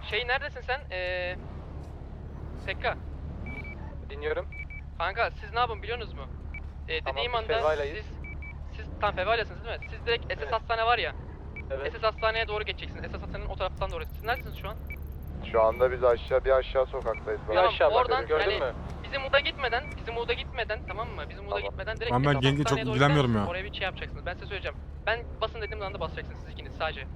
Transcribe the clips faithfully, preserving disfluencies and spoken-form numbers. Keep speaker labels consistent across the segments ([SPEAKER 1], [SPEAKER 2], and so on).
[SPEAKER 1] Şey neredesin sen? Eee... Pekka.
[SPEAKER 2] Dinliyorum.
[SPEAKER 1] Kanka siz ne yapın biliyorsunuz mu? Ee,
[SPEAKER 2] Tamam,
[SPEAKER 1] dediğim
[SPEAKER 2] biz
[SPEAKER 1] anda
[SPEAKER 2] Fevvala'yız.
[SPEAKER 1] siz... Siz tam Fevalya'sınız değil mi? Siz direkt S S
[SPEAKER 2] Evet.
[SPEAKER 1] hastane var ya.
[SPEAKER 2] Evet.
[SPEAKER 1] S S hastaneye doğru geçeceksiniz. S S hastanenin o taraftan doğru. Siz neredesiniz şu an?
[SPEAKER 3] Şu anda biz aşağı bir aşağı sokaktayız.
[SPEAKER 2] Bir
[SPEAKER 1] Tamam,
[SPEAKER 2] aşağı bak
[SPEAKER 1] oradan
[SPEAKER 2] gördün
[SPEAKER 1] yani-
[SPEAKER 2] mü?
[SPEAKER 1] Bizim Uda gitmeden, bizim Uda gitmeden tamam mı? Bizim Uda
[SPEAKER 3] Tamam.
[SPEAKER 1] gitmeden direkt
[SPEAKER 4] Ama ben
[SPEAKER 1] S S
[SPEAKER 4] genge çok
[SPEAKER 1] hastaneye doğru
[SPEAKER 4] ilgilenmiyorum
[SPEAKER 1] gidersiniz.
[SPEAKER 4] ya.
[SPEAKER 1] Oraya bir şey yapacaksınız. Ben size söyleyeceğim. Ben basın dediğim anda basacaksınız siz ikiniz sadece.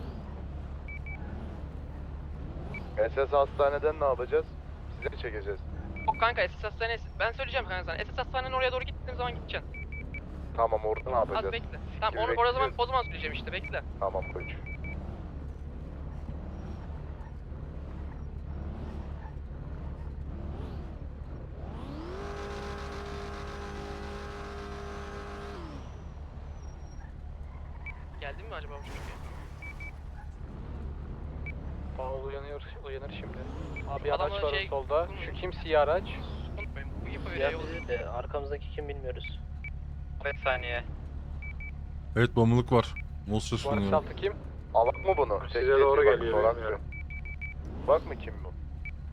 [SPEAKER 3] S S hastaneden ne yapacağız? Size mi çekeceğiz?
[SPEAKER 1] Yok kanka S S hastaneye... Ben söyleyeceğim kanka sana. S S hastanenin oraya doğru gittiğim zaman gideceksin.
[SPEAKER 3] Tamam, orada ne
[SPEAKER 1] Az
[SPEAKER 3] yapacağız?
[SPEAKER 1] bekle. Tamam
[SPEAKER 3] Gibi
[SPEAKER 1] onu, o zaman,
[SPEAKER 3] bekliyoruz.
[SPEAKER 1] o zaman söyleyeceğim işte bekle.
[SPEAKER 3] Tamam koç.
[SPEAKER 1] Geldin mi acaba bu çocuk?
[SPEAKER 2] Paul uyanıyor, uyanır şimdi. Abi
[SPEAKER 1] Adamın
[SPEAKER 2] araç var
[SPEAKER 1] şey-
[SPEAKER 2] solda. Şu kim siyah araç?
[SPEAKER 1] Unutmayın. Bu info
[SPEAKER 5] Ya
[SPEAKER 1] veriyor.
[SPEAKER 5] bizi de arkamızdaki kim bilmiyoruz.
[SPEAKER 2] beş saniye.
[SPEAKER 4] Evet bağımlılık var. Monster
[SPEAKER 2] Bu araç
[SPEAKER 4] sunuyor.
[SPEAKER 2] altı kim?
[SPEAKER 3] Alak mı bunu?
[SPEAKER 6] Size
[SPEAKER 3] Tek
[SPEAKER 6] doğru
[SPEAKER 3] geçi, bak,
[SPEAKER 6] geliyor,
[SPEAKER 3] sorak
[SPEAKER 6] bilmiyorum.
[SPEAKER 3] bir. Bak mı kim bu?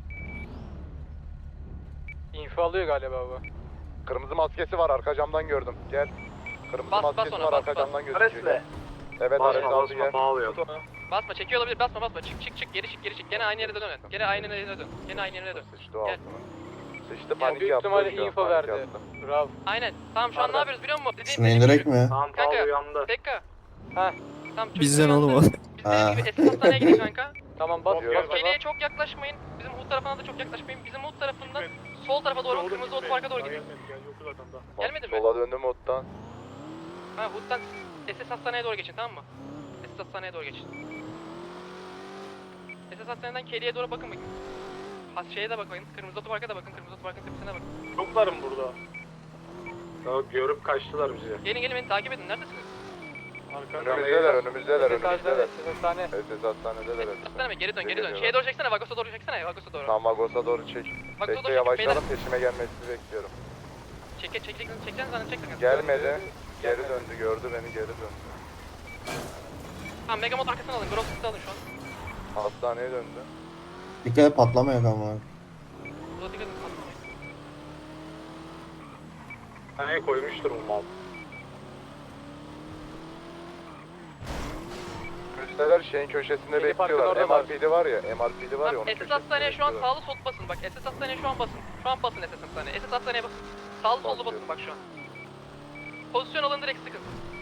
[SPEAKER 2] Info alıyor galiba bu.
[SPEAKER 3] Kırmızı maskesi var, arka camdan gördüm. Gel. Kırmızı
[SPEAKER 1] Bas, bas
[SPEAKER 3] maskesi
[SPEAKER 1] ona,
[SPEAKER 3] var,
[SPEAKER 1] bas,
[SPEAKER 3] arka
[SPEAKER 1] bas.
[SPEAKER 3] camdan gözüküyor. Evet, Ares
[SPEAKER 6] Basma
[SPEAKER 3] aldı
[SPEAKER 6] basma
[SPEAKER 3] gel.
[SPEAKER 6] bağlıyor.
[SPEAKER 2] Tut onu.
[SPEAKER 1] Basma çekiyor olabilir basma basma çık çık çık geri çık geri çık gene aynı yere dön. Gene aynı yere dön. Gene aynı yere dön.
[SPEAKER 3] Sıçtı o
[SPEAKER 1] Gel.
[SPEAKER 3] altına. Sıçtı,
[SPEAKER 2] Yani
[SPEAKER 3] panik
[SPEAKER 2] büyük
[SPEAKER 3] yaptı.
[SPEAKER 2] ihtimalle
[SPEAKER 3] şu an,
[SPEAKER 2] info
[SPEAKER 3] panik
[SPEAKER 2] verdi.
[SPEAKER 3] yaptı.
[SPEAKER 2] Bravo.
[SPEAKER 1] Aynen. Tamam şu an ne
[SPEAKER 2] Pardon.
[SPEAKER 1] yapıyoruz biliyor musun? Dediğim,
[SPEAKER 7] Şunu
[SPEAKER 1] dediğim
[SPEAKER 7] indirek
[SPEAKER 1] gibi.
[SPEAKER 7] mi?
[SPEAKER 6] Tamam
[SPEAKER 1] Kanka.
[SPEAKER 6] Paul uyandı.
[SPEAKER 1] Pekka.
[SPEAKER 2] Heh.
[SPEAKER 1] Tamam çocuk
[SPEAKER 7] Bizden
[SPEAKER 1] uyandı.
[SPEAKER 7] oğlum o.
[SPEAKER 1] Biz dediğim
[SPEAKER 7] Ha.
[SPEAKER 1] gibi S S hastaneye gidin kanka.
[SPEAKER 2] Tamam bas
[SPEAKER 3] Yok,
[SPEAKER 2] bas
[SPEAKER 3] yok.
[SPEAKER 2] bas.
[SPEAKER 1] Keleğe çok yaklaşmayın. Bizim Hood tarafına da çok yaklaşmayın. Bizim Hood tarafından sol tarafa doğru kırmızı otoparka doğru gidin. Gelmedi mi?
[SPEAKER 3] Sola döndüm ottan.
[SPEAKER 1] Ha Hood'dan S S hastaneye doğru geçin tamam mı? S S hastaneye doğru geçin. S S hastaneden Keleğe doğru bakın bakın. Ha şeye de bakın. Kırmızı otoparka da bakın. Kırmızı otoparkın tepesine bakın.
[SPEAKER 6] Çoklarım burada. Ya görüp kaçtılar bizi.
[SPEAKER 1] Gelin gelin beni takip edin. Neredesiniz?
[SPEAKER 3] Önümüzdeler, önümüzdeler, önümüzdeler.
[SPEAKER 2] S S hastane.
[SPEAKER 3] S S hastanedeler.
[SPEAKER 1] S S hastane mi? Geri dön geri dön.
[SPEAKER 3] Geliyorlar.
[SPEAKER 1] Şeye doğru çeksene. Vagos'a doğru çeksene. Vagos'a doğru.
[SPEAKER 3] Tamam, Vagos'a doğru çek.
[SPEAKER 1] Vagos'a
[SPEAKER 3] Bekle,
[SPEAKER 1] doğru çekin. Beyler.
[SPEAKER 3] yavaşlayalım, peşime gelmesini bekliyorum.
[SPEAKER 1] Çek çek çek çek çekeceksin zaten çek.
[SPEAKER 3] Gelmedi. Geri döndü, gördü beni, geri döndü.
[SPEAKER 1] Tamam Megamod arkasını alın. Grosset'i alın şu an.
[SPEAKER 3] Hastaneye döndü.
[SPEAKER 7] Dikkat et patlamıyor ama.
[SPEAKER 1] Burada dikkat edin.
[SPEAKER 6] Hani koymuştur bu mal.
[SPEAKER 3] Üsteler şeyin köşesinde
[SPEAKER 2] Milli Park'ın
[SPEAKER 3] bekliyorlar.
[SPEAKER 2] orada var.
[SPEAKER 3] M R P'li var ya, M R P'li var ya, onun
[SPEAKER 1] Tamam S S
[SPEAKER 3] köşesinde
[SPEAKER 1] hastaneye şu an
[SPEAKER 3] bekliyorlar.
[SPEAKER 1] sağlı sol basın. Bak S S hastaneye şu an basın. Şu an basın S S hastaneye. S S hastaneye basın. Sağlı sollu basın bak şu an. Pozisyon alın direkt sıkın.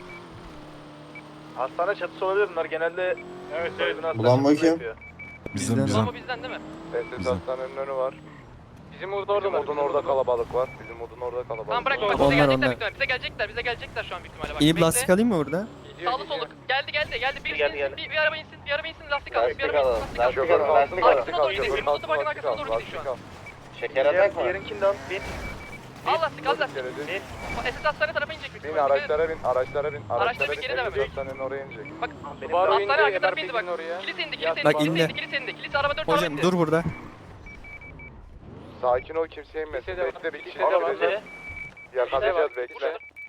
[SPEAKER 6] Hastane çatısı olabilir bunlar genelde. Evet evet.
[SPEAKER 7] Ulan bakayım.
[SPEAKER 4] Bizden
[SPEAKER 1] Ulan
[SPEAKER 4] bizden.
[SPEAKER 1] bu bizden değil mi?
[SPEAKER 3] S S
[SPEAKER 4] Güzel.
[SPEAKER 3] hastanenin önü var.
[SPEAKER 2] Bizim orada orada
[SPEAKER 3] Bizim
[SPEAKER 2] var.
[SPEAKER 3] odun
[SPEAKER 2] bizim
[SPEAKER 3] orada
[SPEAKER 2] orada.
[SPEAKER 3] kalabalık var. Bizim odun orada kalabalık
[SPEAKER 1] Tamam bırak
[SPEAKER 3] var.
[SPEAKER 1] bak bize
[SPEAKER 7] Onlar,
[SPEAKER 1] gelecekler
[SPEAKER 7] onlar.
[SPEAKER 1] büyük ihtimalle. Bize gelecekler bize gelecekler şu an büyük ihtimalle bak.
[SPEAKER 7] İnip
[SPEAKER 1] Bekle.
[SPEAKER 7] lastik alayım mı burada?
[SPEAKER 2] Gidiyor,
[SPEAKER 1] Sağlı
[SPEAKER 2] gidiyor.
[SPEAKER 1] sollu. Geldi geldi geldi. Bir,
[SPEAKER 5] Geldi,
[SPEAKER 1] insin,
[SPEAKER 5] geldi.
[SPEAKER 1] bir, bir araba insin bir araba insin lastik alsın. Bir
[SPEAKER 5] Lastik
[SPEAKER 1] araba insin
[SPEAKER 5] alalım,
[SPEAKER 1] lastik alsın.
[SPEAKER 5] lastik
[SPEAKER 3] Şoför
[SPEAKER 5] alalım,
[SPEAKER 3] kalsın,
[SPEAKER 5] lastik
[SPEAKER 1] alalım.
[SPEAKER 3] lastik al,
[SPEAKER 1] Arkasına doğru
[SPEAKER 3] şoför
[SPEAKER 1] gidin,
[SPEAKER 3] kalsın,
[SPEAKER 1] otoparkın
[SPEAKER 3] lastik
[SPEAKER 1] arkasına
[SPEAKER 3] al,
[SPEAKER 1] doğru gidin şu
[SPEAKER 3] lastik
[SPEAKER 1] an.
[SPEAKER 3] al.
[SPEAKER 5] Şeker atak mı?
[SPEAKER 6] Diğerinkinden bin.
[SPEAKER 1] Al lastik al lastik.
[SPEAKER 3] Geledi.
[SPEAKER 1] S S hastane tarafa inecek büyük
[SPEAKER 3] Bin
[SPEAKER 1] ihtimalle. Dikkat edin.
[SPEAKER 3] araçlara bin, araçlara bin, araçlara
[SPEAKER 1] Araçlara
[SPEAKER 3] bin.
[SPEAKER 1] geri devam
[SPEAKER 3] S S
[SPEAKER 1] edin.
[SPEAKER 3] hastanenin oraya inecek.
[SPEAKER 1] Bak
[SPEAKER 2] Subaru indi,
[SPEAKER 1] hastane arka tarafa
[SPEAKER 2] M R
[SPEAKER 1] indi
[SPEAKER 2] P'nin
[SPEAKER 1] bak.
[SPEAKER 2] oraya.
[SPEAKER 1] Kilis indi
[SPEAKER 2] Ya,
[SPEAKER 1] kilis indi.
[SPEAKER 7] bak
[SPEAKER 1] Kilis
[SPEAKER 7] indi.
[SPEAKER 1] indi kilis indi. Kilis araba dört araba
[SPEAKER 7] Hocam
[SPEAKER 1] indi.
[SPEAKER 7] dur burada.
[SPEAKER 3] Sakin ol, kimse inmesin.
[SPEAKER 2] Kimse de var.
[SPEAKER 3] Bekle, bir
[SPEAKER 2] Kimse
[SPEAKER 3] kişi
[SPEAKER 2] de var.
[SPEAKER 3] yakalayacağız. Yakalayacağız,
[SPEAKER 2] Kimse de
[SPEAKER 3] bekle.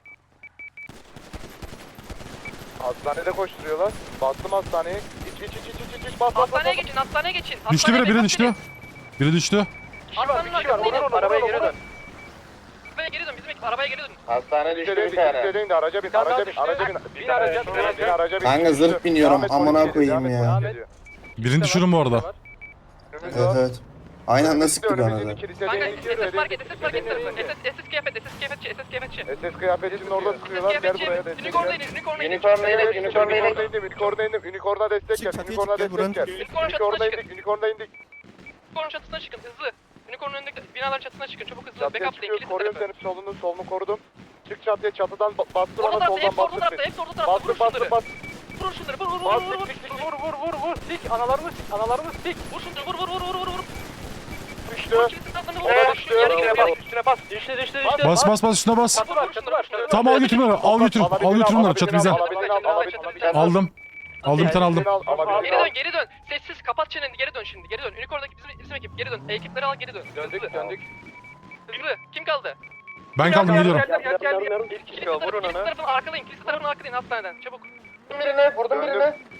[SPEAKER 3] Hastanede koşturuyorlar. Bastım hastaneye. İç iç iç iç iç iç. Bas bas bas.
[SPEAKER 1] Hastaneye
[SPEAKER 3] bas.
[SPEAKER 1] geçin hastaneye geçin.
[SPEAKER 4] Düştü biri,
[SPEAKER 1] Hastaneye
[SPEAKER 4] biri
[SPEAKER 1] geçin.
[SPEAKER 4] düştü. Biri düştü.
[SPEAKER 1] Hastanın
[SPEAKER 2] Bir kişi var.
[SPEAKER 1] arkasına inin.
[SPEAKER 2] Onur onur arabaya geri dön.
[SPEAKER 1] Arabaya geri dön bizim ekip arabaya geri dön.
[SPEAKER 5] Hastane düştü
[SPEAKER 3] Düştü
[SPEAKER 5] bir tane.
[SPEAKER 3] değil de araca bin,
[SPEAKER 2] Bir tane daha
[SPEAKER 3] araca bin,
[SPEAKER 2] düştü.
[SPEAKER 3] araca bin.
[SPEAKER 2] Bin
[SPEAKER 3] Bir tane
[SPEAKER 2] araca,
[SPEAKER 3] düştü,
[SPEAKER 2] bin araca.
[SPEAKER 3] bin araca bin.
[SPEAKER 7] Kanka zırh
[SPEAKER 3] Düştü.
[SPEAKER 7] biniyorum,
[SPEAKER 3] Devam et,
[SPEAKER 7] amına
[SPEAKER 3] polis geliyor,
[SPEAKER 7] koyayım
[SPEAKER 3] devam et,
[SPEAKER 7] ya.
[SPEAKER 3] polis geliyor.
[SPEAKER 4] Birini düşürün bu arada.
[SPEAKER 3] Önümüz
[SPEAKER 7] Evet
[SPEAKER 3] var.
[SPEAKER 7] evet. Aynı anda sıktık ona
[SPEAKER 3] Önümüzdeki
[SPEAKER 7] da.
[SPEAKER 3] kilisede
[SPEAKER 1] Kanka
[SPEAKER 3] iniyor,
[SPEAKER 1] S S market
[SPEAKER 3] önümüzdeki
[SPEAKER 1] S S market
[SPEAKER 3] kilisede
[SPEAKER 1] tarafı.
[SPEAKER 3] iniyor.
[SPEAKER 1] S S kıyafet S S kıyafetçi S S kıyafetçi.
[SPEAKER 3] S S kıyafetçinin orada
[SPEAKER 1] S S
[SPEAKER 3] sıkıyorlar. Gel
[SPEAKER 1] kıyafetçi.
[SPEAKER 3] buraya destek
[SPEAKER 1] Unicorn'a
[SPEAKER 3] gel.
[SPEAKER 1] inin unicorn'a inin.
[SPEAKER 5] Unicorn'a inin, unicorn'a inin.
[SPEAKER 3] Unicorn'a indim, unicorn'a indim. Unicorn'a destek gel.
[SPEAKER 7] Çık, çatıya
[SPEAKER 3] Unicorn'a
[SPEAKER 7] çık, gel, buranın
[SPEAKER 3] destek gel.
[SPEAKER 1] Unicorn'un çatısına
[SPEAKER 3] Unicorn'a
[SPEAKER 1] çıkın.
[SPEAKER 3] indik, unicorn'a indik.
[SPEAKER 1] Unicorn'un çatısına çıkın hızlı. Unicorn'un önündeki binaların çatısına çıkın çabuk hızlı.
[SPEAKER 3] Çatıya
[SPEAKER 1] Backuplayın
[SPEAKER 3] çıkıyoruz,
[SPEAKER 1] kilise
[SPEAKER 3] koruyorum
[SPEAKER 1] tarafı.
[SPEAKER 3] senin solunu, solunu korudum. Çık çatıya, çatıdan ba- bastır
[SPEAKER 1] Orta
[SPEAKER 3] ona,
[SPEAKER 1] tarafta
[SPEAKER 3] soldan
[SPEAKER 1] hepsi orta
[SPEAKER 3] bastır.
[SPEAKER 1] tarafta hepsi orta tarafta. Vur
[SPEAKER 3] Bastır, bastır,
[SPEAKER 1] şunları.
[SPEAKER 3] bastır.
[SPEAKER 1] Vur şunları vur vur vur
[SPEAKER 3] Bas,
[SPEAKER 1] vur vur.
[SPEAKER 3] sik, sik, sik.
[SPEAKER 2] Vur vur vur vur. Sik analarını sik. Analarını sik.
[SPEAKER 1] Vur şunları vur vur vur vur vur vur.
[SPEAKER 3] Düştü.
[SPEAKER 1] Vur kilise taraflarını vur.
[SPEAKER 3] Ona
[SPEAKER 1] Vur,
[SPEAKER 3] düştü.
[SPEAKER 1] yere
[SPEAKER 3] Üstüne
[SPEAKER 1] gir,
[SPEAKER 3] bas,
[SPEAKER 1] yere gir.
[SPEAKER 2] Üstüne bas. Düştü düştü düştü.
[SPEAKER 4] Bas bas bas üstüne bas.
[SPEAKER 2] Çatı var çatı var. Çatı.
[SPEAKER 4] Tamam al götür bunları. Al götür. Al götür bunları. Çatı bize.
[SPEAKER 3] Alabildiğini al, alabildiğini al.
[SPEAKER 4] Aldım. Aldım bir tane aldım.
[SPEAKER 3] Alabildiğini al, alabildiğini
[SPEAKER 1] Geri
[SPEAKER 3] al.
[SPEAKER 1] dön geri dön. Sessiz kapat çeneni geri dön şimdi. Geri dön. Unicorn'daki bizim, bizim ekip geri dön. Ekipleri al geri dön.
[SPEAKER 2] Döndük
[SPEAKER 1] Hızlı.
[SPEAKER 2] döndük.
[SPEAKER 1] Hızlı. Kim kaldı?
[SPEAKER 4] Ben kaldım geliyorum.
[SPEAKER 2] Gel gel gel gel.
[SPEAKER 1] Kilise tarafı, kilise tarafını arkalayın. Kilise tarafını arkalayın hastaneden. Çabuk.
[SPEAKER 5] Vurdum birine, vurdum
[SPEAKER 3] Döndüm.
[SPEAKER 5] birine.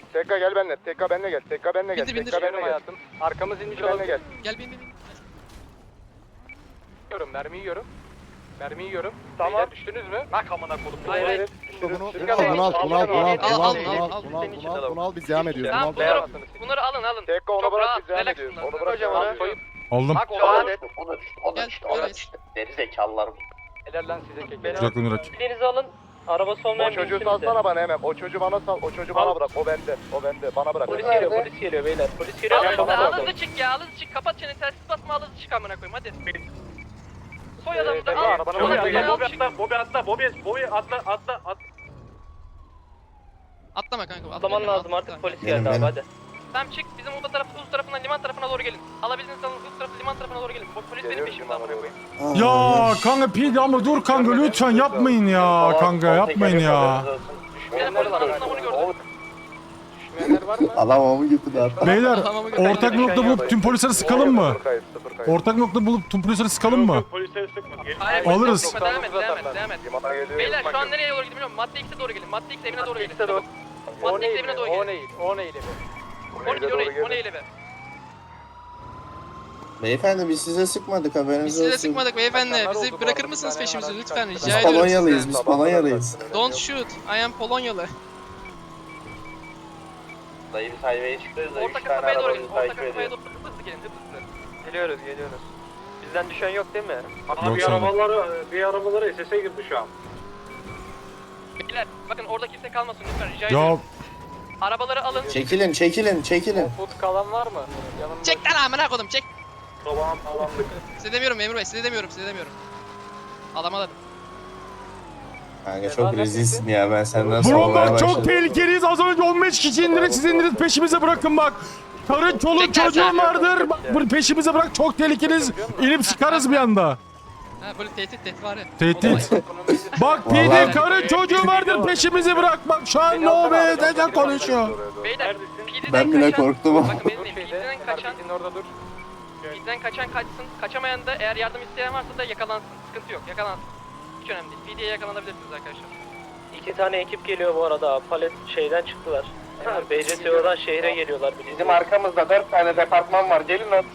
[SPEAKER 3] Tekka gel benimle. Tekka benimle gel. Tekka benimle gel.
[SPEAKER 2] Bindir bindir.
[SPEAKER 3] Tekka benimle gel.
[SPEAKER 2] hayatım. Arkamız inmiş
[SPEAKER 3] Benimle
[SPEAKER 2] olabilir.
[SPEAKER 3] gel.
[SPEAKER 2] Gel bin bin bin. Yiyorum mermi yiyorum. Mermi yiyorum.
[SPEAKER 3] Tamam.
[SPEAKER 2] Beyler düştünüz mü? Bak amına kodum.
[SPEAKER 1] Hayır hayır.
[SPEAKER 8] Bunu, bunu,
[SPEAKER 3] Sürü
[SPEAKER 8] bunu al,
[SPEAKER 3] kalın.
[SPEAKER 8] bunu al, bunu al, bunu al,
[SPEAKER 1] Al,
[SPEAKER 8] bunu
[SPEAKER 1] al,
[SPEAKER 8] al,
[SPEAKER 1] al,
[SPEAKER 8] bunu al,
[SPEAKER 1] al,
[SPEAKER 8] bunu al,
[SPEAKER 1] senin
[SPEAKER 8] bunu al, bunu al, biz devam ediyoruz.
[SPEAKER 1] Tamam
[SPEAKER 8] Bunu al,
[SPEAKER 1] bunları,
[SPEAKER 8] devam.
[SPEAKER 1] bunları alın alın.
[SPEAKER 3] Tekka onu
[SPEAKER 1] Çok
[SPEAKER 3] bırak
[SPEAKER 1] rahat,
[SPEAKER 3] biz devam
[SPEAKER 1] relax
[SPEAKER 3] ediyoruz.
[SPEAKER 1] bunlar.
[SPEAKER 3] Onu bırak
[SPEAKER 2] Hocam
[SPEAKER 3] devam
[SPEAKER 2] onu.
[SPEAKER 3] ediyoruz.
[SPEAKER 4] Aldım.
[SPEAKER 1] Bak
[SPEAKER 5] O da
[SPEAKER 1] o
[SPEAKER 5] düştü, o da düştü, o da
[SPEAKER 2] Gel,
[SPEAKER 5] düştü, o da
[SPEAKER 2] buradayız.
[SPEAKER 5] düştü. Deri zekalılar.
[SPEAKER 2] Helal lan size kek.
[SPEAKER 4] Kucak Nurak.
[SPEAKER 5] Bildiğinizi alın. Arabası olmayan
[SPEAKER 3] O çocuğu salsana bana hemen. O çocuğu bana sal. O çocuğu bana bırak. O bende. O bende. Bana bırak.
[SPEAKER 5] Polis
[SPEAKER 3] Hemen.
[SPEAKER 5] geliyor, polis geliyor beyler. Polis geliyor.
[SPEAKER 1] Al hızlı,
[SPEAKER 3] bana
[SPEAKER 1] al
[SPEAKER 3] bak.
[SPEAKER 1] hızlı çık ya, al hızlı çık. Kapat çeneni, telsiz basma, al hızlı çık amına koyayım hadi. Soy adamı da
[SPEAKER 3] Tekka,
[SPEAKER 1] al.
[SPEAKER 3] arabana
[SPEAKER 1] Ona
[SPEAKER 3] bırak.
[SPEAKER 1] göre al
[SPEAKER 6] Bobi
[SPEAKER 1] çık.
[SPEAKER 6] atla, Bobi atla, Bobi, Bobi atla, atla, atla.
[SPEAKER 2] Atlama kanka.
[SPEAKER 5] Atlaman
[SPEAKER 2] atla,
[SPEAKER 5] lazım
[SPEAKER 2] atla.
[SPEAKER 5] artık polis
[SPEAKER 7] Benim,
[SPEAKER 5] geldi abi
[SPEAKER 7] benim.
[SPEAKER 5] hadi.
[SPEAKER 1] Tamam çık, bizim Uda tarafı, Uz tarafından, liman tarafına doğru gelin. Alabildiğiniz alın, Uz tarafı, liman tarafına doğru gelin. Polis benim
[SPEAKER 3] Geliyorum
[SPEAKER 1] peşimde amına koyayım.
[SPEAKER 4] Ya kanka P D ama dur kanka lütfen yapmayın ya kanka yapmayın ya.
[SPEAKER 1] Benim polis arasında bunu gördüm.
[SPEAKER 2] Düşmeyenler var mı?
[SPEAKER 7] Alamamı götürdü hatta.
[SPEAKER 4] Beyler
[SPEAKER 2] Tamam, tamam.
[SPEAKER 4] ortak nokta bulup tüm polisleri sıkalım mı?
[SPEAKER 3] Sıfır kayıp. Sıfır kayıp.
[SPEAKER 4] Ortak nokta bulup tüm polisleri sıkalım mı?
[SPEAKER 6] Polisleri sıkma. Gel.
[SPEAKER 1] Hayır,
[SPEAKER 4] Alırız.
[SPEAKER 1] sıkma, devam et, devam et, devam et.
[SPEAKER 3] Limana geliyor.
[SPEAKER 1] Beyler şu an nereye doğru gidiyor bilmiyorum. Madde X'e doğru gelin. Madde X evine doğru gelin. Çabuk.
[SPEAKER 2] O
[SPEAKER 1] Madde X
[SPEAKER 2] neydi?
[SPEAKER 1] evine doğru
[SPEAKER 2] O
[SPEAKER 1] gelin.
[SPEAKER 2] neydi? O neydi?
[SPEAKER 1] on iki, on iki, on iki be.
[SPEAKER 7] Beyefendi biz size sıkmadık haberiniz
[SPEAKER 2] Biz
[SPEAKER 7] olsun.
[SPEAKER 2] size sıkmadık beyefendi.
[SPEAKER 3] Kaçanlar oldu
[SPEAKER 2] Bizi
[SPEAKER 3] bu
[SPEAKER 2] bırakır
[SPEAKER 3] arada,
[SPEAKER 2] mısınız
[SPEAKER 3] bir tane
[SPEAKER 2] peşimizi
[SPEAKER 3] araç
[SPEAKER 2] lütfen
[SPEAKER 3] kaçtı.
[SPEAKER 2] rica
[SPEAKER 7] Biz
[SPEAKER 2] ediyorum.
[SPEAKER 7] Polonyalıyız, biz Polonyalıyız.
[SPEAKER 2] Don't shoot. I am Polonyalı.
[SPEAKER 5] Dayı biz highway'e çıkıyoruz da üç
[SPEAKER 1] Orta
[SPEAKER 5] tane
[SPEAKER 1] kasabaya doğru gelin.
[SPEAKER 5] arabamızı
[SPEAKER 1] Orta
[SPEAKER 5] takip
[SPEAKER 1] kasabaya
[SPEAKER 5] ediyor.
[SPEAKER 1] doğru hızlı gelin, hızlı.
[SPEAKER 5] Geliyoruz geliyoruz. Bizden düşen yok değil mi?
[SPEAKER 6] Abi
[SPEAKER 4] Yok
[SPEAKER 6] bir
[SPEAKER 4] sanırım.
[SPEAKER 6] arabaları, bir arabaları S S'e girdi şu an.
[SPEAKER 1] Beyler bakın orada kimse kalmasın lütfen rica ediyorum.
[SPEAKER 4] Ya
[SPEAKER 1] Arabaları alın.
[SPEAKER 7] Çekilin, çekilin, çekilin.
[SPEAKER 3] Food kalan var mı? Yanımda.
[SPEAKER 2] Çek lan amına kodum çek.
[SPEAKER 6] Sabahın falandık.
[SPEAKER 2] Size demiyorum memur bey size demiyorum size demiyorum. Alamadım.
[SPEAKER 7] Kanka çok rezilsin ya ben senden
[SPEAKER 4] bro
[SPEAKER 7] savunmaya
[SPEAKER 4] bak çok
[SPEAKER 7] başladım.
[SPEAKER 4] tehlikeliyiz az önce on beş kişi indirip siz indirip peşimize bırakın bak. Karın çoluk
[SPEAKER 2] Çek lan
[SPEAKER 4] çocuğum
[SPEAKER 2] sen.
[SPEAKER 4] vardır. Bak bunu peşimize bırak çok tehlikeliyiz. İnip sıkarız bir anda.
[SPEAKER 2] Ha böyle tehdit tehdit var ya.
[SPEAKER 4] Tehdit. Bak P D
[SPEAKER 7] Vallahi-
[SPEAKER 4] karın çocuğu vardır peşimizi bırak. Bak şu an no be dede konuşuyor.
[SPEAKER 1] Beyler
[SPEAKER 6] Neredesin?
[SPEAKER 1] P D'den
[SPEAKER 7] Ben bile
[SPEAKER 1] kaçan-
[SPEAKER 7] korktum.
[SPEAKER 1] Bakın
[SPEAKER 2] Dur
[SPEAKER 1] benim P
[SPEAKER 2] şeyde.
[SPEAKER 1] D'den kaçan,
[SPEAKER 2] Kardeşin orada dur.
[SPEAKER 1] P D'den kaçan kaçsın. Kaçamayan da eğer yardım isteyen varsa da yakalansın. Sıkıntı yok yakalansın. Hiç önemli değil. P D'ye yakalanabilirsiniz arkadaşlar.
[SPEAKER 5] İki tane ekip geliyor bu arada. Palet şeyden çıktılar. B C T O'dan şehre geliyorlar. Bizim arkamızda dört tane departman var. Gelin lan.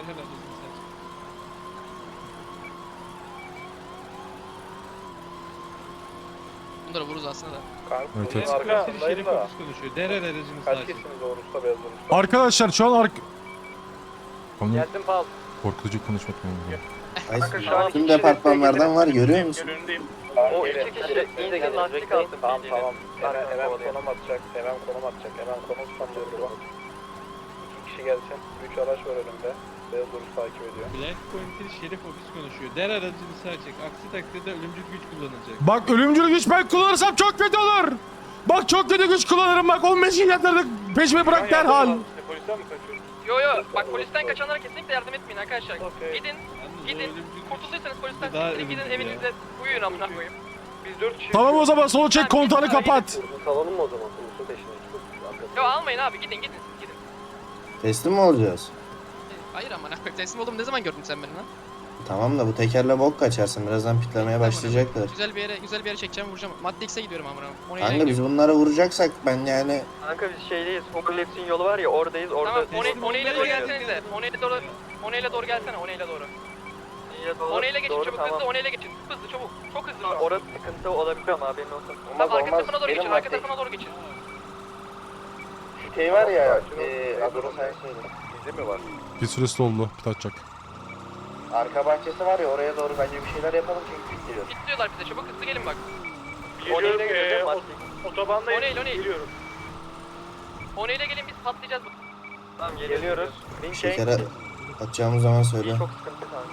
[SPEAKER 2] Bunları vururuz aslında da.
[SPEAKER 4] Evet, evet.
[SPEAKER 3] Arkasındayım da.
[SPEAKER 9] konuşuyor. Değer aracınız
[SPEAKER 3] Kaç
[SPEAKER 9] lazım.
[SPEAKER 3] kişisiniz Orus'ta beyaz Orus'ta?
[SPEAKER 4] Arkadaşlar şu an ark... Konu
[SPEAKER 2] Geldim Paul.
[SPEAKER 4] korkutucu konuşmak lazım.
[SPEAKER 7] Ay, tüm departmanlardan var görüyor musun?
[SPEAKER 6] Önündeyim.
[SPEAKER 3] O
[SPEAKER 5] iki
[SPEAKER 3] iki
[SPEAKER 5] kişi
[SPEAKER 3] kişi
[SPEAKER 5] iyi de
[SPEAKER 3] insan lastik
[SPEAKER 5] bekleyin.
[SPEAKER 3] alsın. Tamam tamam. Hemen, hemen konum atacak. Hemen konum atacak. Hemen konum tutamıyorum. İki kişi gelsin. Üç araç var önümde. Beyaz Orus takip ediyor.
[SPEAKER 9] Black Point'in şerif ofis konuşuyor. Değer aracını sağ çek. Aksi takdirde ölümcül güç kullanacak.
[SPEAKER 4] Bak ölümcül güç ben kullanırsam çok kötü olur. Bak çok kötü güç kullanırım bak on beş yatırdık peşime bırak derhal.
[SPEAKER 3] Polisten mi kaçıyorsun?
[SPEAKER 1] Yo yo bak polisten kaçanlara kesinlikle yardım etmeyin arkadaşlar.
[SPEAKER 3] Okey.
[SPEAKER 1] Gidin
[SPEAKER 9] Yalnız o
[SPEAKER 1] gidin
[SPEAKER 9] ölümcül güç-
[SPEAKER 1] kurtulduysanız polisten
[SPEAKER 9] Daha
[SPEAKER 1] siktirin gidin
[SPEAKER 9] ölümcül ya.
[SPEAKER 1] evinizde uyuyun amına koyayım.
[SPEAKER 3] Biz dört kişi.
[SPEAKER 4] Tamam o zaman sol çek kontağını kapat.
[SPEAKER 3] Salalım mı o zaman? Urus'un peşine çıkıyoruz.
[SPEAKER 1] Yo almayın abi gidin gidin siz gidin.
[SPEAKER 7] Teslim mi olacağız?
[SPEAKER 2] Hayır amına koyayım teslim oldum ne zaman gördün sen beni lan?
[SPEAKER 7] Tamam da bu tekerle bok kaçarsın. Birazdan pitlemeye başlayacaklar.
[SPEAKER 2] Güzel bir yere güzel bir yere çekeceğim vuracağım. Madde X'e gidiyorum amına koyayım. Oraya
[SPEAKER 7] Kanka
[SPEAKER 2] gidiyorum.
[SPEAKER 7] biz bunları vuracaksak ben yani
[SPEAKER 5] Kanka biz şeydeyiz. Homerlaps'in yolu var ya oradayız. Orada
[SPEAKER 1] Tamam
[SPEAKER 9] teslim
[SPEAKER 1] One ile doğru
[SPEAKER 9] olmaya
[SPEAKER 1] gelsenize. One ile doğru One ile doğru gelsene One ile doğru. One ile geçin çabuk hızlı One ile geçin. Hızlı çabuk. Çok hızlı.
[SPEAKER 5] Orada sıkıntı olabilir ama haberin olsun.
[SPEAKER 1] Tamam arka tarafına doğru geçin. Arka tarafına doğru geçin.
[SPEAKER 5] Şey var ya,
[SPEAKER 3] eee,
[SPEAKER 5] eee
[SPEAKER 3] adını
[SPEAKER 5] adını sen söyle.
[SPEAKER 3] Bizi mi var?
[SPEAKER 4] Bir süresi doldu pit atacak.
[SPEAKER 5] Arka bahçesi var ya oraya doğru bence bir şeyler yapalım çünkü gidiyor.
[SPEAKER 1] Bitliyorlar bize çabuk hızlı gelin bak.
[SPEAKER 6] Geliyorum.
[SPEAKER 5] gidiyor,
[SPEAKER 6] eee,
[SPEAKER 5] Madde.
[SPEAKER 6] ot- Otobandayım.
[SPEAKER 1] O ne, o ne?
[SPEAKER 6] Geliyorum.
[SPEAKER 1] One ile gelin biz patlayacağız.
[SPEAKER 5] Tamam geliyoruz. Link
[SPEAKER 7] şekere atacağımız zaman söyle.
[SPEAKER 5] çok sıkıntı kanka.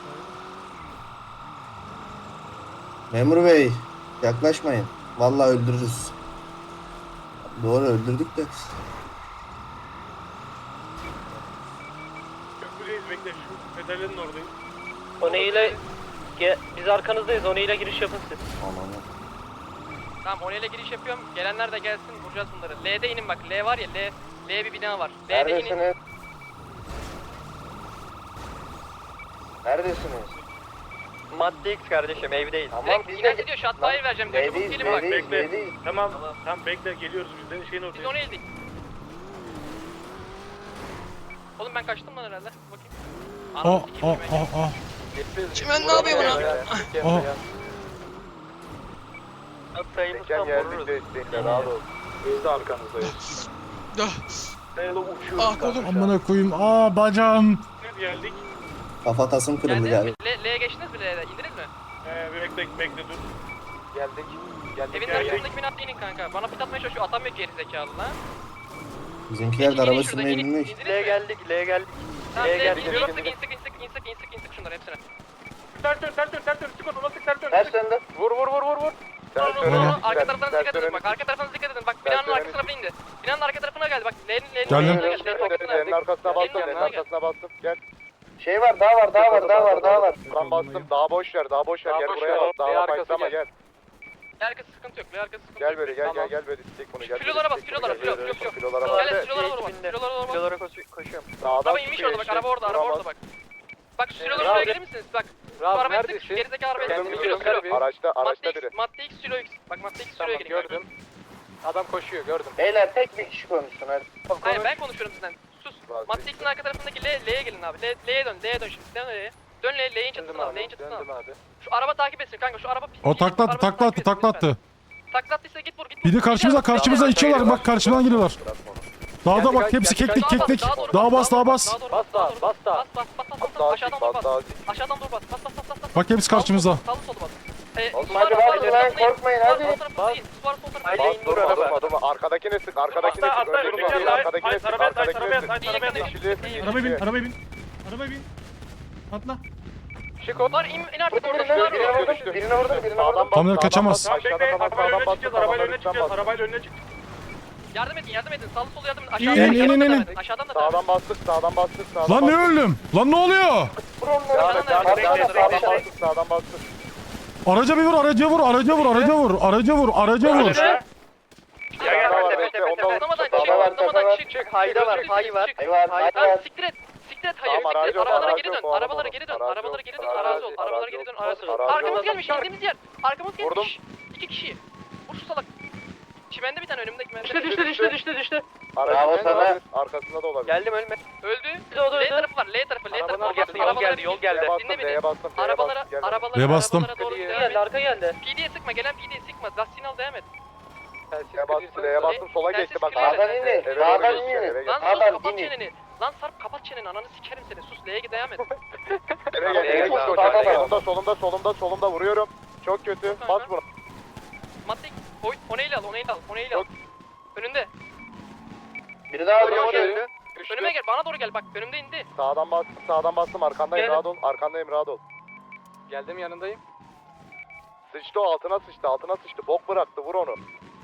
[SPEAKER 7] Memur bey yaklaşmayın. Vallahi öldürürüz. Doğru öldürdük de.
[SPEAKER 6] Köprüdeyiz bekle. Şu pedalerin oradayım.
[SPEAKER 5] One ile ge- biz arkanızdayız. One ile giriş yapın siz.
[SPEAKER 7] Ananı.
[SPEAKER 1] Tamam One ile giriş yapıyorum. Gelenler de gelsin vuracağız bunları. L'de inin bak. L var ya L. L bir bina var. L'de inin.
[SPEAKER 5] Neredesiniz? Neredesiniz? Madde X kardeşim evdeyiz. Tamam
[SPEAKER 1] Direkt
[SPEAKER 5] biz
[SPEAKER 1] inen
[SPEAKER 5] de
[SPEAKER 1] gidiyor. Shotfire vereceğim. Direkt çabuk
[SPEAKER 5] Evdeyiz,
[SPEAKER 1] gelin bak.
[SPEAKER 5] evdeyiz,
[SPEAKER 6] Bekle.
[SPEAKER 5] evdeyiz.
[SPEAKER 6] Tamam. Tamam bekle geliyoruz biz de şeyin
[SPEAKER 1] Biz
[SPEAKER 6] oradayız.
[SPEAKER 1] One ildik. Oğlum ben kaçtım lan herhalde. Bakayım.
[SPEAKER 4] Aa
[SPEAKER 1] Anam
[SPEAKER 4] aa
[SPEAKER 1] sikeyim ben.
[SPEAKER 4] aa aa.
[SPEAKER 2] Çimen ne yapıyor buna?
[SPEAKER 4] Aa.
[SPEAKER 3] Teker geldik desteğinde rahat ol.
[SPEAKER 6] Biz de arkanızdayız.
[SPEAKER 2] Ah kolum.
[SPEAKER 4] Amına koyayım. Aa bacağım.
[SPEAKER 6] Geldik.
[SPEAKER 7] Kafatasım kırıldı
[SPEAKER 1] Geldiniz
[SPEAKER 7] galiba.
[SPEAKER 1] mi? L- L'ye geçtiniz mi L'ye? İndiniz mi?
[SPEAKER 6] Ee, bekle bekle dur.
[SPEAKER 3] Geldik. Geldik.
[SPEAKER 1] Evin arkasındaki binada inin kanka. Bana pit atmaya çalışıyor. Atamıyor geri zekalı lan.
[SPEAKER 7] Bizimkiler de araba sürmeyi bilmiyor ki.
[SPEAKER 5] L'ye geldik, L'ye geldik.
[SPEAKER 1] Tamam
[SPEAKER 5] L'ye
[SPEAKER 1] L'ye
[SPEAKER 5] geldik.
[SPEAKER 1] geldik. İnsik insik insik insik insik insik şunları hepsine.
[SPEAKER 6] Ters dön ters dön ters dön. Sık onu sık ters dön.
[SPEAKER 3] Ters döndü. Vur vur vur vur vur. Ters
[SPEAKER 1] Vurun, vurun,
[SPEAKER 3] dönelim.
[SPEAKER 1] vurun. Arka taraflarına
[SPEAKER 3] Ters
[SPEAKER 1] dikkat edin
[SPEAKER 3] dönelim.
[SPEAKER 1] bak. Arka taraflarına dikkat edin. Bak binanın
[SPEAKER 3] dönelim.
[SPEAKER 1] arka tarafına indi. Binanın arka tarafına geldi bak. L'nin L'nin
[SPEAKER 4] Geldim.
[SPEAKER 1] arkasına geldi. L'nin arkasına
[SPEAKER 3] Lenin arkasına bastım.
[SPEAKER 1] Gelin
[SPEAKER 3] Lenin
[SPEAKER 1] yanına gel.
[SPEAKER 3] arkasına bastım. Gel. Şey var, daha var, daha var, daha var, daha var. Ben bastım. Daha boş ver, daha boş ver.
[SPEAKER 2] Daha
[SPEAKER 3] Gel
[SPEAKER 2] boş
[SPEAKER 3] buraya
[SPEAKER 2] ver,
[SPEAKER 3] bak.
[SPEAKER 2] ortaya
[SPEAKER 3] Daha
[SPEAKER 2] arkası
[SPEAKER 3] başlama
[SPEAKER 2] gel.
[SPEAKER 3] gel.
[SPEAKER 1] L arkası sıkıntı yok. L arkası sıkıntı
[SPEAKER 3] Gel
[SPEAKER 1] yok.
[SPEAKER 3] böyle gel
[SPEAKER 2] Tamam.
[SPEAKER 3] gel gel böyle istek bunu gel.
[SPEAKER 1] Kilolara bas,
[SPEAKER 3] istek
[SPEAKER 1] kilolara,
[SPEAKER 3] bunu,
[SPEAKER 1] kilo,
[SPEAKER 3] gel,
[SPEAKER 1] kilo,
[SPEAKER 3] gel,
[SPEAKER 1] kilo.
[SPEAKER 3] Kilolara
[SPEAKER 1] Gel
[SPEAKER 3] bas.
[SPEAKER 1] silolara doğru bak. Silolara doğru bak.
[SPEAKER 5] Kilolara koşu- koşuyorum.
[SPEAKER 3] Sağdan
[SPEAKER 1] Araba inmiş orada bak. Araba orada, araba orada bak. Bak şu silolara
[SPEAKER 2] Rahat.
[SPEAKER 1] şuraya gelir misiniz? Bak. Şu
[SPEAKER 2] Rahat
[SPEAKER 1] arabaya sık.
[SPEAKER 2] neredesin?
[SPEAKER 1] Gerizekalı arabaya
[SPEAKER 2] Kendim
[SPEAKER 1] sık. Kilo,
[SPEAKER 2] biliyorum,
[SPEAKER 1] kilo.
[SPEAKER 2] gel
[SPEAKER 3] Araçta,
[SPEAKER 1] Madde
[SPEAKER 3] araçta
[SPEAKER 1] X,
[SPEAKER 3] biri.
[SPEAKER 1] madde X, kilo X. Bak madde X,
[SPEAKER 2] Tamam
[SPEAKER 1] kiloya gelin.
[SPEAKER 2] gördüm. Adam koşuyor gördüm.
[SPEAKER 3] Beyler tek bir kişi konuşsun hadi.
[SPEAKER 1] Hayır ben konuşuyorum sizden. Sus.
[SPEAKER 3] Vazgeç.
[SPEAKER 1] Madde X'in arka tarafındaki L, L'ye gelin abi. L, L'ye dön, L'ye dön şimdi. Dön L'ye. Dön L'ye, L'yin çatısına al, L'yin çatısına al.
[SPEAKER 2] Döndüm abi.
[SPEAKER 1] Şu araba takip etsin kanka, şu araba pis.
[SPEAKER 4] O taklattı
[SPEAKER 1] Arabanı
[SPEAKER 4] taklattı
[SPEAKER 1] takip etsin
[SPEAKER 4] taklattı.
[SPEAKER 1] lütfen. Taklattıysa git vur, git vur.
[SPEAKER 4] Bir de karşımıza
[SPEAKER 1] Git vur.
[SPEAKER 4] karşımıza içiyorlar. Bak karşımdan geliyorlar. Dağda bak hepsi keklik keklik. Daha bas daha bas.
[SPEAKER 1] doğru,
[SPEAKER 2] Bas daha,
[SPEAKER 1] doğru.
[SPEAKER 2] bas daha.
[SPEAKER 1] Bas bas bas bas bas.
[SPEAKER 3] Daha
[SPEAKER 1] Aşağıdan
[SPEAKER 3] dik,
[SPEAKER 1] dur bas.
[SPEAKER 3] daha dik.
[SPEAKER 1] Aşağıdan dur bas. Bas bas bas bas. bas.
[SPEAKER 4] Bak hepsi karşımızda.
[SPEAKER 1] Sağlı solu bas. Ee,
[SPEAKER 3] Oğlum
[SPEAKER 1] su var,
[SPEAKER 3] hadi
[SPEAKER 1] su var,
[SPEAKER 3] bas
[SPEAKER 1] sol
[SPEAKER 3] lan,
[SPEAKER 1] tarafına in.
[SPEAKER 3] korkmayın,
[SPEAKER 1] Su var,
[SPEAKER 3] hadi.
[SPEAKER 1] sol tarafına in. Su var, sol tarafına in.
[SPEAKER 5] Haydi.
[SPEAKER 3] Bas durma durma durma. Arkadakine sık, arkadakine
[SPEAKER 6] Atla,
[SPEAKER 3] sık.
[SPEAKER 6] atla,
[SPEAKER 3] Öndekine
[SPEAKER 6] önündeki
[SPEAKER 3] değil,
[SPEAKER 6] ay,
[SPEAKER 3] arkadakine
[SPEAKER 6] ay,
[SPEAKER 3] sık,
[SPEAKER 6] arabaya at,
[SPEAKER 3] arkadakine
[SPEAKER 6] arabaya
[SPEAKER 3] sık.
[SPEAKER 6] at, arabaya at.
[SPEAKER 3] Yeşili sık, yeşili.
[SPEAKER 9] Arabaya bin, arabaya bin. Arabaya bin. Atla.
[SPEAKER 1] Var in, in artık orada.
[SPEAKER 3] Birine
[SPEAKER 1] Şunlar
[SPEAKER 3] vurdum,
[SPEAKER 1] var.
[SPEAKER 3] birine vurdum, birine vurdum, birine Sağdan vurdum. bas,
[SPEAKER 4] Tamam,
[SPEAKER 3] sağdan
[SPEAKER 4] kaçamaz.
[SPEAKER 3] bas,
[SPEAKER 6] Tamam
[SPEAKER 3] aşağıdan
[SPEAKER 6] bekle.
[SPEAKER 3] bas,
[SPEAKER 6] Arabayla
[SPEAKER 3] sağdan
[SPEAKER 6] önüne
[SPEAKER 3] bas,
[SPEAKER 6] çıkacağız.
[SPEAKER 3] sağdan
[SPEAKER 6] Arabayla
[SPEAKER 3] bas,
[SPEAKER 6] önüne
[SPEAKER 3] lütfen
[SPEAKER 6] çıkacağız.
[SPEAKER 3] bas.
[SPEAKER 6] Arabayla önüne çık.
[SPEAKER 1] Yardım edin, yardım edin. Sağlı solu yardım edin.
[SPEAKER 4] İn,
[SPEAKER 1] Aşağıdan,
[SPEAKER 4] in,
[SPEAKER 1] aşağıdan
[SPEAKER 4] in,
[SPEAKER 1] da
[SPEAKER 4] in.
[SPEAKER 1] devam edin. Aşağıdan da devam edin.
[SPEAKER 3] Sağdan bastık, sağdan bastık, sağdan
[SPEAKER 4] Lan ne
[SPEAKER 3] bastık.
[SPEAKER 4] öldüm? Lan ne oluyor?
[SPEAKER 3] Devam et,
[SPEAKER 1] Aşağıdan
[SPEAKER 3] devam et,
[SPEAKER 1] devam edin.
[SPEAKER 3] sağdan bastık, sağdan bastık.
[SPEAKER 4] Araca bir vur, araca vur, araca vur, araca vur, araca vur, araca vur.
[SPEAKER 3] Gel, gel, gel, bekle, ondan vur.
[SPEAKER 1] Atlamadan çık,
[SPEAKER 3] Sağdan var,
[SPEAKER 1] atlamadan
[SPEAKER 3] sağdan var.
[SPEAKER 1] çık.
[SPEAKER 5] Çık, hayda var, hay var.
[SPEAKER 1] Çık.
[SPEAKER 3] Hay var, hay
[SPEAKER 1] Lan
[SPEAKER 3] var.
[SPEAKER 1] siktir et. Siktir et hayır.
[SPEAKER 3] Tamam,
[SPEAKER 1] Siktir et.
[SPEAKER 3] aracı yok,
[SPEAKER 1] Arabalara
[SPEAKER 3] aracı
[SPEAKER 1] geri dön.
[SPEAKER 3] yok, o
[SPEAKER 1] Arabalara
[SPEAKER 3] adam
[SPEAKER 1] geri
[SPEAKER 3] o.
[SPEAKER 1] dön.
[SPEAKER 3] Aracı
[SPEAKER 1] Arabalara
[SPEAKER 3] yok,
[SPEAKER 1] geri dön.
[SPEAKER 3] aracı
[SPEAKER 1] Arazi ol.
[SPEAKER 3] yok,
[SPEAKER 1] Arabalara
[SPEAKER 3] aracı
[SPEAKER 1] geri dön.
[SPEAKER 3] yok,
[SPEAKER 1] Arazi ol.
[SPEAKER 3] aracı
[SPEAKER 1] Arkamız
[SPEAKER 3] yok.
[SPEAKER 1] gelmiş. indiğimiz yer. Arkamız gelmiş.
[SPEAKER 3] Vurdum.
[SPEAKER 1] İki kişi. Vur şu salak. Çimende bir tane önümdeki
[SPEAKER 5] Düştü,
[SPEAKER 1] mende.
[SPEAKER 5] düştü, düştü, düştü, düştü.
[SPEAKER 3] Aracın Bravo önünde sana. olabilir, arkasında da olabilir.
[SPEAKER 5] Geldim ölme.
[SPEAKER 1] Öldü.
[SPEAKER 5] Bir de o da
[SPEAKER 1] L
[SPEAKER 5] öldü.
[SPEAKER 1] tarafı var. L tarafı. L tarafı.
[SPEAKER 5] Arabalar
[SPEAKER 1] Arabalara
[SPEAKER 5] geldi, yol geldi, yol geldi.
[SPEAKER 3] D'ye bastım,
[SPEAKER 1] Dinle beni.
[SPEAKER 3] D'ye bastım, D'ye
[SPEAKER 1] Arabalara,
[SPEAKER 3] bastım. Gel.
[SPEAKER 1] arabalara,
[SPEAKER 4] D'ye bastım.
[SPEAKER 1] arabalara doğru devam
[SPEAKER 5] Geldi,
[SPEAKER 1] et.
[SPEAKER 5] arka geldi.
[SPEAKER 1] P D'ye sıkma. Gelen P D'ye sıkma. Lastiğini al devam et.
[SPEAKER 3] D'ye bastım, D'ye bastım, sola
[SPEAKER 1] Telsiz
[SPEAKER 3] geçti bak.
[SPEAKER 1] kilitle.
[SPEAKER 3] Sağdan inin,
[SPEAKER 1] Eve
[SPEAKER 3] sağdan
[SPEAKER 1] doğru
[SPEAKER 3] inin.
[SPEAKER 1] Lan sus
[SPEAKER 3] Sağdan
[SPEAKER 1] kapat
[SPEAKER 3] inin.
[SPEAKER 1] çeneni. Lan Sarp kapat çeneni. Ananı sikerim seni. Sus L'ye devam et.
[SPEAKER 3] Eve gel, eve
[SPEAKER 1] Tamam,
[SPEAKER 3] koş,
[SPEAKER 1] tamam,
[SPEAKER 3] koş.
[SPEAKER 1] tamam.
[SPEAKER 3] Solumda, solumda, solumda, solumda vuruyorum. Çok kötü. Bas bunu.
[SPEAKER 1] Madde oy, o neyle al, o neyle al, o neyle al. Önünde.
[SPEAKER 3] Biri daha
[SPEAKER 1] Önüme
[SPEAKER 3] vuruyor.
[SPEAKER 1] gel. Önüme gel, bana doğru gel. Bak önümde indi.
[SPEAKER 3] Sağdan bastım, sağdan bastım. Arkandayım,
[SPEAKER 5] Gel.
[SPEAKER 3] rahat ol. Arkandayım, rahat ol.
[SPEAKER 2] Geldim yanındayım.
[SPEAKER 3] Sıçtı o, altına sıçtı, altına sıçtı. Bok bıraktı, vur onu.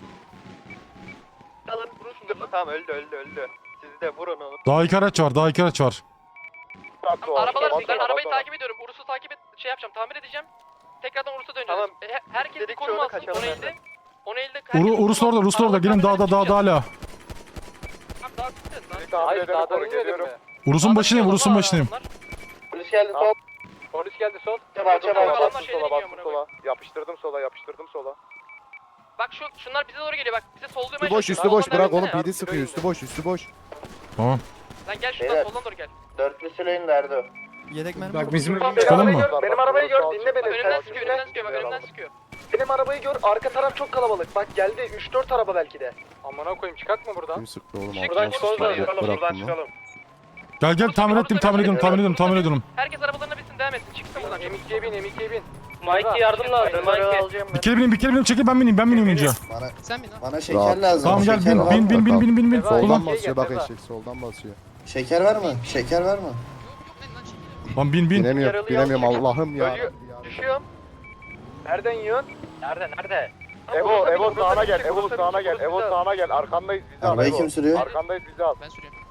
[SPEAKER 1] Alın, vurun şunu.
[SPEAKER 5] Tamam öldü, öldü, öldü. Siz de vurun onu.
[SPEAKER 4] Daha iki araç var, daha iki araç var.
[SPEAKER 3] Bıraktı o.
[SPEAKER 1] Arabalar,
[SPEAKER 3] Bas
[SPEAKER 1] ben
[SPEAKER 3] ona,
[SPEAKER 1] arabayı
[SPEAKER 3] bas ona.
[SPEAKER 1] takip ediyorum. Urus'u takip et, şey yapacağım, tamir edeceğim. Tekrardan Urus'a döneceğiz.
[SPEAKER 5] Tamam.
[SPEAKER 1] E, he- herkes bir
[SPEAKER 5] Dedik
[SPEAKER 1] konum
[SPEAKER 5] çoğunu
[SPEAKER 1] alsın,
[SPEAKER 5] kaçalım
[SPEAKER 1] onu
[SPEAKER 5] benden.
[SPEAKER 1] elde. Onu elde.
[SPEAKER 4] Uru, Urus orada, Urus orada. Gelin dağda, dağda hala.
[SPEAKER 1] Tamam, daha çıkacağız lan.
[SPEAKER 3] Bir tahmin
[SPEAKER 2] Hayır
[SPEAKER 3] edelim,
[SPEAKER 2] dağdan
[SPEAKER 3] koru,
[SPEAKER 2] inmedim
[SPEAKER 3] geliyorum.
[SPEAKER 2] mi?
[SPEAKER 4] Urus'un başındayım, Urus'un başındayım.
[SPEAKER 3] Polis geldi, sol.
[SPEAKER 2] Polis geldi sol.
[SPEAKER 3] Çabuk, çabuk.
[SPEAKER 1] Adamlar
[SPEAKER 3] Bastım
[SPEAKER 1] şeyden
[SPEAKER 3] sola,
[SPEAKER 1] iniyor
[SPEAKER 3] bastım
[SPEAKER 1] amına
[SPEAKER 3] sola. Yapıştırdım sola, yapıştırdım sola.
[SPEAKER 1] Bak şu, şunlar bize doğru geliyor bak. Bize sollamaya
[SPEAKER 8] Üstü boş,
[SPEAKER 1] çalışıyor.
[SPEAKER 8] üstü boş.
[SPEAKER 1] Soldan
[SPEAKER 8] Bırak
[SPEAKER 1] devam
[SPEAKER 8] oğlum.
[SPEAKER 1] etsene.
[SPEAKER 8] P D sıkıyor. Üstü boş, üstü boş.
[SPEAKER 4] Tamam.
[SPEAKER 1] Lan gel şuradan
[SPEAKER 3] Beyler.
[SPEAKER 1] soldan doğru gel.
[SPEAKER 3] Dörtlü süreyin derdi o.
[SPEAKER 8] Yedek mermi.
[SPEAKER 9] Bak bizim
[SPEAKER 4] Çıkalım mı?
[SPEAKER 3] Benim arabayı gör, dinle beni.
[SPEAKER 1] Önümden sıkıyor, önümden sıkıyor bak önümden sıkıyor.
[SPEAKER 3] Benim arabayı gör, arka taraf çok kalabalık. Bak geldi, üç dört araba belki de.
[SPEAKER 2] Amına koyayım çıkart mı buradan?
[SPEAKER 8] Kim sıktı oğlum?
[SPEAKER 1] Buradan
[SPEAKER 8] Altına
[SPEAKER 1] çıkalım,
[SPEAKER 8] sıçtı.
[SPEAKER 1] buradan
[SPEAKER 8] Bırak-
[SPEAKER 6] Buradan
[SPEAKER 8] Bıraktım lan.
[SPEAKER 6] çıkalım.
[SPEAKER 4] Gel gel tamir ettim, tamir ediyorum, tamir ediyorum, tamir ediyorum.
[SPEAKER 1] Herkes arabalarına binsin devam etsin. Çıksın buradan.
[SPEAKER 2] M ikiye bin, M ikiye bin.
[SPEAKER 5] Mikey yardım lazım. Mikey alacağım
[SPEAKER 4] Bir
[SPEAKER 5] ben.
[SPEAKER 4] kere bineyim, bir kere bineyim. Çekil ben bineyim, ben bineyim önce.
[SPEAKER 7] Bana,
[SPEAKER 1] Sen bin lan.
[SPEAKER 7] bana şeker
[SPEAKER 8] Rahat.
[SPEAKER 7] lazım.
[SPEAKER 4] Tamam gel
[SPEAKER 7] şeker
[SPEAKER 4] bin,
[SPEAKER 7] var.
[SPEAKER 4] bin, bin, bin, bin, bin, bin.
[SPEAKER 2] Eva,
[SPEAKER 4] Ulan,
[SPEAKER 8] Soldan
[SPEAKER 2] Gel,
[SPEAKER 8] basıyor
[SPEAKER 2] gel,
[SPEAKER 8] bak
[SPEAKER 2] Eva.
[SPEAKER 8] eşek. Soldan basıyor.
[SPEAKER 7] Şeker var mı? Şeker var mı?
[SPEAKER 4] lan bin, bin.
[SPEAKER 8] Binemiyorum.
[SPEAKER 5] Yaralı
[SPEAKER 8] Binemiyorum
[SPEAKER 5] yalnız.
[SPEAKER 8] Allah'ım ya.
[SPEAKER 2] Ölüyor. Düşüyorum. Nereden yiyorsun?
[SPEAKER 5] Nerede, nerede?
[SPEAKER 3] Evo, Evo
[SPEAKER 2] Bursa
[SPEAKER 3] sağına
[SPEAKER 2] bir
[SPEAKER 3] gel,
[SPEAKER 2] çık,
[SPEAKER 3] Evo
[SPEAKER 2] Bursa bir
[SPEAKER 3] sağına
[SPEAKER 2] çık,
[SPEAKER 3] gel,
[SPEAKER 2] Bursa
[SPEAKER 3] Evo
[SPEAKER 2] bir çık.
[SPEAKER 3] sağına gel. Arkandayız bizi al.
[SPEAKER 7] Arabayı
[SPEAKER 3] Evo.
[SPEAKER 7] kim sürüyor?
[SPEAKER 3] Arkandayız bizi al.
[SPEAKER 1] Ben sürüyorum.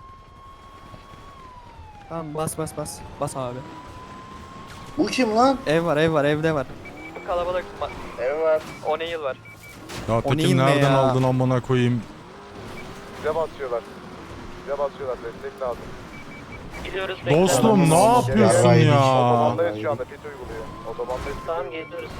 [SPEAKER 10] Tamam bas bas bas. Bas abi.
[SPEAKER 7] Bu kim lan?
[SPEAKER 10] Ev var ev var evde var.
[SPEAKER 5] Kalabalık.
[SPEAKER 3] Ev var.
[SPEAKER 5] O ne yıl var?
[SPEAKER 4] Ya
[SPEAKER 10] O
[SPEAKER 4] Tekin
[SPEAKER 10] neyin ne
[SPEAKER 4] nereden
[SPEAKER 10] ya?
[SPEAKER 4] aldın amına koyayım?
[SPEAKER 3] Bize basıyorlar. Bize basıyorlar, destek lazım.
[SPEAKER 5] Gidiyoruz.
[SPEAKER 4] Dostum ne yapıyorsun
[SPEAKER 7] Yaraydık.
[SPEAKER 4] ya?
[SPEAKER 3] Otobandayız şu anda, pit uyguluyor. Otobandayız. pit
[SPEAKER 5] Tamam
[SPEAKER 3] uyguluyor.
[SPEAKER 5] geliyoruz.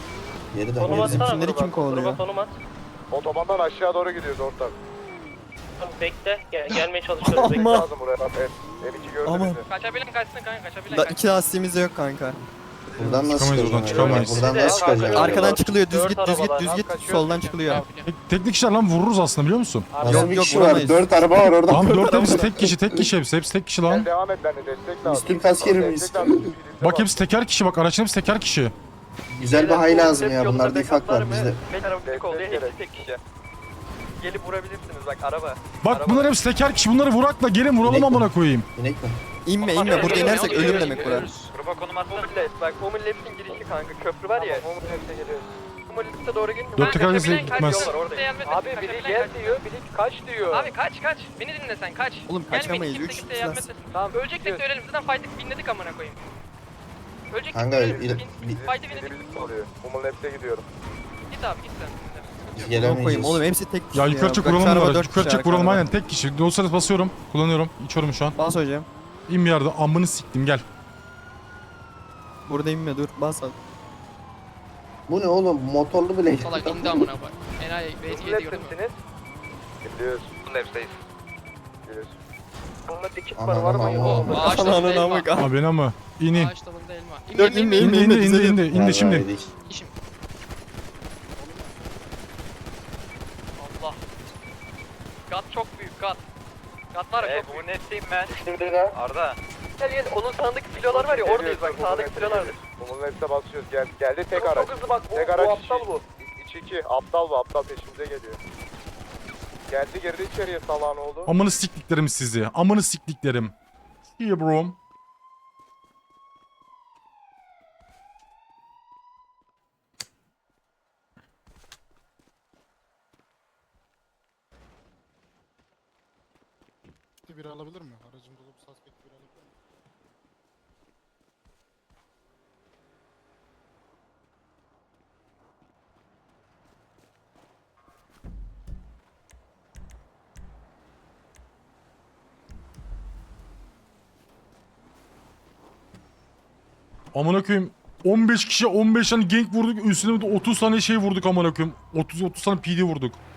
[SPEAKER 7] Geri
[SPEAKER 5] Konum
[SPEAKER 7] dön.
[SPEAKER 5] atsana
[SPEAKER 10] Bizimkileri
[SPEAKER 5] gruba.
[SPEAKER 10] kim kovalıyor?
[SPEAKER 5] Gruba konum at.
[SPEAKER 3] Otobandan aşağı doğru gidiyoruz ortak.
[SPEAKER 5] Bekle. Gel, gelmeye çalışıyorum. Bekle.
[SPEAKER 10] Ama. Aman.
[SPEAKER 1] Kaçabilen kaçsın kanka kaçabilen
[SPEAKER 10] Da
[SPEAKER 1] kaçsın.
[SPEAKER 10] iki lastiğimiz de yok kanka.
[SPEAKER 7] Buradan nasıl
[SPEAKER 4] Çıkamayız, buradan
[SPEAKER 7] çıkacaksın?
[SPEAKER 4] çıkamayız.
[SPEAKER 7] Buradan nasıl çıkacaksın?
[SPEAKER 10] Arkadan çıkılıyor. Düz
[SPEAKER 5] Dört
[SPEAKER 10] git, düz git,
[SPEAKER 5] arabalar.
[SPEAKER 10] düz git. Soldan çıkılıyor.
[SPEAKER 4] Tek- Teknik işler lan vururuz aslında biliyor musun?
[SPEAKER 7] Nasıl
[SPEAKER 10] Yok,
[SPEAKER 7] bir
[SPEAKER 10] yok,
[SPEAKER 7] kişi var?
[SPEAKER 10] vuramayız.
[SPEAKER 7] Dört araba var orada.
[SPEAKER 4] Tamam dört hepsi tek kişi tek kişi hepsi hepsi tek kişi lan.
[SPEAKER 6] Devam et benimle destek lazım.
[SPEAKER 7] Üstün askeri miyiz?
[SPEAKER 4] Bak hepsi teker kişi bak araçların hepsi teker kişi.
[SPEAKER 7] Güzel bir hay lazım ya. Bunlarda ifak var bizde.
[SPEAKER 6] Destek gerek.
[SPEAKER 1] tek kişi. Gelip vurabilirsiniz bak araba.
[SPEAKER 4] Bak bunlar hepsi teker kişi bunları vurakla gelin vuralım
[SPEAKER 7] Direkt
[SPEAKER 4] amına koyayım.
[SPEAKER 7] İnek mi?
[SPEAKER 10] İnme inme. Burada inersek ölüm demek bura.
[SPEAKER 1] Gruba konum atsana. Bak Omurleps'in girişi kanka köprü var ya.
[SPEAKER 3] Omurlep'e geliyoruz.
[SPEAKER 1] Omurlep'e doğru gelin.
[SPEAKER 4] Dört teker arası gitmez.
[SPEAKER 3] Abi biri gel diyor, biri kaç diyor.
[SPEAKER 1] Abi kaç kaç. Beni dinle sen kaç.
[SPEAKER 10] Oğlum
[SPEAKER 1] Gelmeyin,
[SPEAKER 10] kaçamayız.
[SPEAKER 1] kimse
[SPEAKER 10] Üç
[SPEAKER 1] kimseye yardım
[SPEAKER 10] lastik.
[SPEAKER 1] etmesin.
[SPEAKER 3] Tamam,
[SPEAKER 1] Öleceksek de ölelim. Zaten fight'ı binledik amına koyayım. Öleceksek
[SPEAKER 7] Kanka,
[SPEAKER 1] de ölelim.
[SPEAKER 7] il-
[SPEAKER 1] Bin-
[SPEAKER 7] bir-
[SPEAKER 1] Fight'ı binledik.
[SPEAKER 6] oluyor. Umurlep'e gidiyorum.
[SPEAKER 1] Git abi git sen.
[SPEAKER 7] Biz
[SPEAKER 10] Yok koyayım
[SPEAKER 7] gelemeyeceğiz.
[SPEAKER 10] oğlum hepsi tek kişi
[SPEAKER 4] Ya yukarı çık
[SPEAKER 10] Bak,
[SPEAKER 4] vuralım
[SPEAKER 10] şu araba
[SPEAKER 4] bunları.
[SPEAKER 10] dört
[SPEAKER 4] Yukarı
[SPEAKER 10] kişi
[SPEAKER 4] çık vuralım
[SPEAKER 10] arkada.
[SPEAKER 4] aynen tek kişi. Dolayısıyla basıyorum. Kullanıyorum. İçiyorum şu an.
[SPEAKER 10] Bas hocam.
[SPEAKER 4] İn bir yerde amını siktim gel.
[SPEAKER 10] Burada inme dur. Bas abi.
[SPEAKER 7] Bu ne oğlum? Motorlu bile.
[SPEAKER 1] Salak indi amına bak. Enayi B T yedi gördün mü?
[SPEAKER 6] Gidiyoruz.
[SPEAKER 1] Bunlep'teyiz.
[SPEAKER 6] Gidiyoruz.
[SPEAKER 3] Bunda dikit var
[SPEAKER 7] Ananı
[SPEAKER 3] var mı?
[SPEAKER 7] amı.
[SPEAKER 3] Yok.
[SPEAKER 1] Ağaç
[SPEAKER 10] Ananı
[SPEAKER 1] dalında elma.
[SPEAKER 10] amık abi.
[SPEAKER 4] Abi beni ama. İn in.
[SPEAKER 1] Ağaç dalında elma.
[SPEAKER 10] Dört inme
[SPEAKER 4] İndi
[SPEAKER 10] inme
[SPEAKER 4] indi
[SPEAKER 10] inme.
[SPEAKER 4] indi
[SPEAKER 10] düzelir.
[SPEAKER 4] indi. İndi şimdi.
[SPEAKER 7] Yedik.
[SPEAKER 1] İşim. Allah. Gat çok büyük gat. Gat var ya çok büyük.
[SPEAKER 3] netteyim ben. Şimdi de.
[SPEAKER 1] Arda. Gel gel onun sağındaki filolar var ya oradayız bak sağdaki filolardır.
[SPEAKER 6] Umurlep'e basıyoruz. Gel, geldi tek araç.
[SPEAKER 3] Çok hızlı bak bu,
[SPEAKER 6] Tek
[SPEAKER 3] bu
[SPEAKER 6] araç
[SPEAKER 3] aptal bu.
[SPEAKER 6] İç iki. Aptal bu. Aptal peşimize geliyor. Geldi girdi içeriye salağın oldu.
[SPEAKER 4] Amını siktiklerim sizi. Amını siktiklerim. İyi bro.
[SPEAKER 8] Bir alabilir mi? Aracın dolu bir suspect bir alabilir mi?
[SPEAKER 4] Amına koyayım. on beş kişi on beş tane gank vurduk. Üstüne de otuz tane şey vurduk amına koyayım. otuz otuz tane P D vurduk.